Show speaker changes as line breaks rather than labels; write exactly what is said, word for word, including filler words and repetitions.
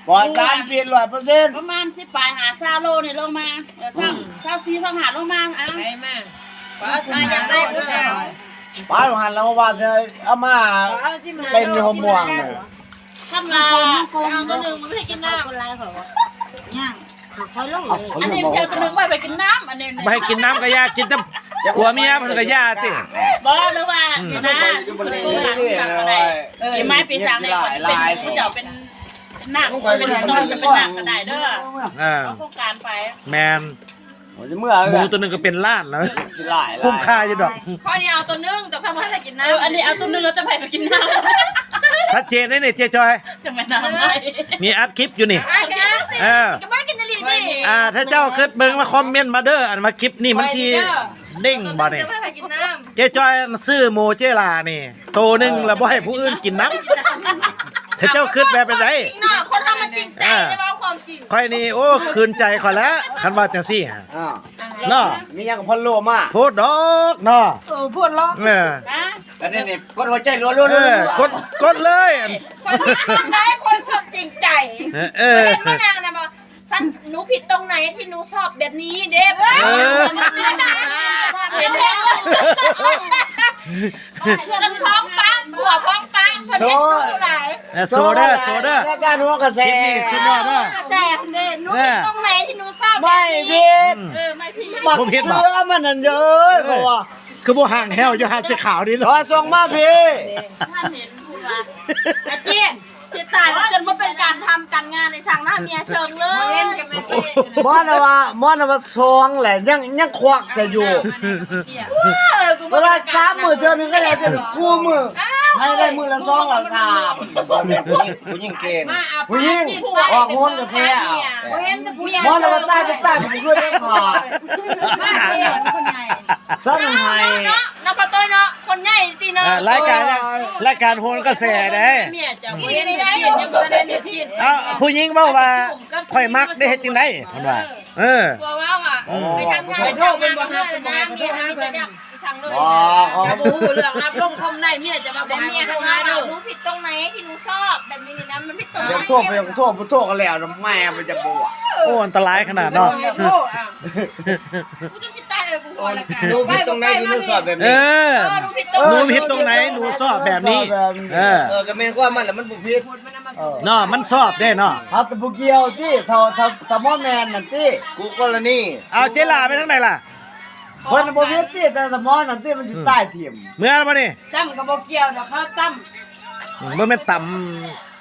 ปล่อยการเปลี่ยนร้อยเปอร์เซ็นต์
ประมาณสิบปลายหาซาโลนี่ลงมาเออสั่งซาซีสั่งหาลงมาอ่ะไปมาป้าซีอยากได้ก็ได้
ป้าหันแล้วว่าจะเอามาเป็นหัวม่วงเนี่ย
ทำลาเอาตัวหนึ่งมันไม่ให้กินน้ำอะไรเหรอย่างเขาลงเลยอันนี้เจ้าตัวหนึ่งไม่ไปกินน้ำอันนี้
ไม่ให้กินน้ำก็ยากินแต่ผัวเมียมันก็ยาติ
บอกหรือว่ากินน้ำตัวหนึ่งหลังหลังอะไรกินไม้ปีศาจในคนเป็นที่เดี๋ยวเป็นหนักเป็นตอนจะเป็นหนักก็ได้เด้อเอาโครงการไป
แมนหมูตัวหนึ่งก็เป็นล้านแล้วคุ้มค่าอยู่ดอก
ข้อนี้เอาตัวนึ่งแต่พ่อพ่อจะกินน้ำอันนี้เอาตัวนึ่งแล้วจะไปไปกินน้ำ
ชัดเจนเลยเนี่ยเจ๊จอย
จะไม่น้ำไหม
มีอัดคลิปอยู่นี่
เออกับบ้านกินนาลีนี่
อ่าถ้าเจ้าเกิดเบิ่งมาคอมเมนต์มาเด้ออันมาคลิปนี่มันชีเด้งบ่เนี่ยเจ๊จอยซื้อโมเจลานี่โตนึงแล้วบ่ให้ผู้อื่นกินน้ำถ้าเจ้าคิดแบบเป็นไร
คนทำมันจริงใจใช่ป่ะความจริง
ค่อยนี่โอ้คืนใจค่อยแล้วคันว่าจังซี่ฮะเนาะ
มียังกับพ่อโลมา
พูดดอกเนาะ
เออพูดล้อ
เออ
อันนี้นี่กดหัวใจรัวๆ
เออกดกดเลย
คนได้คนคนจริงใจ
เออ
เห็นว่านางนะบอกฉันหนูผิดตรงไหนที่หนูชอบแบบนี้เด้เออเห็นไหมฉันพ้องปังผัวพ้องปังคนเห็นหนูไหน
โซเดอร์โซเดอร์
การหัวกระแส
สุดยอดนะ
กระแสเด่นหนูผิดตรงไหนที่หนูชอบ
ไม่ผิด
เออไม่ผิด
ผมผิดบ่
เชื่อมันนั่นเยอะเพราะว่า
คือบ่ห่างแฮวอยู่หาดสีขาวนี่เนาะ
ส่งมาพี่
ท่านเห็นพูดว่าอาเจียนเสียตายแล้วเกินว่าเป็นการทำการงานในช่างหน้าเมียเชิงเลย
มอนว่ามอนว่าซองแหละยังยังควักจะอยู่เวลาสามมือเธอหนึ่งก็ได้จะกู้มือให้ได้มือละสองละสามผู้หญิงเก่งผู้หญิงออกงนกับเสียมอนว่าใต้ไปใต้ไปเพื่อได้ขาดสั้นไห้
เนาะน้ำปลาต้อยเนาะคนใหญ่ตีเนาะ
รายการรายการโหนกระแสได้
เมียจะไม่ได้ได้ยังไม่ได้เนื้อจิต
อ่ะผู้หญิงเว้าว่าข่อยมักได้เฮ็ดจังได๋เพิ่นว่าเออ
ว่าว่าอ่ะไปทำงานไปโทษเป็นบ่ฮับนะเมียมีแต่ยักช่างเลยจะบ่ฮู้เรื่องรับลงคมในเมียจะมาบ่เมียทำงานเด้อหนูผิดตรงไหนที่หนูชอบแบบนี้นะมันผิดตรงไหน
ยังโทษไปยังโทษบ่โทษกันแล้วแม่มันจะบ่
โอ้อันตรายขนาดเนาะ
กูจะสิตายเออกูพอละกัน
หนูผิดตรงไหนที่หนูชอบแบบนี้
เออหนูผิดตรงไหนหนูชอบแบบนี้เออ
เออก็แม่นว่ามันแล้วมันบ่ผิด
เนาะมันชอบได้เนาะ
เอาแต่บ่เกี่ยวติถ้าถ้าถ้าบ่แม่นนั่นติกูกรณี
เอาเจลาไปทางไหนล่ะ
เพิ่นบ่ผิดติแต่ถ้าบ่นั่นติมันสิตายทิ่ม
เมื่อบ่นี่
ตั้มก็บ่เกี่ยวดอกเขาตั้ม
บ่แม่นต่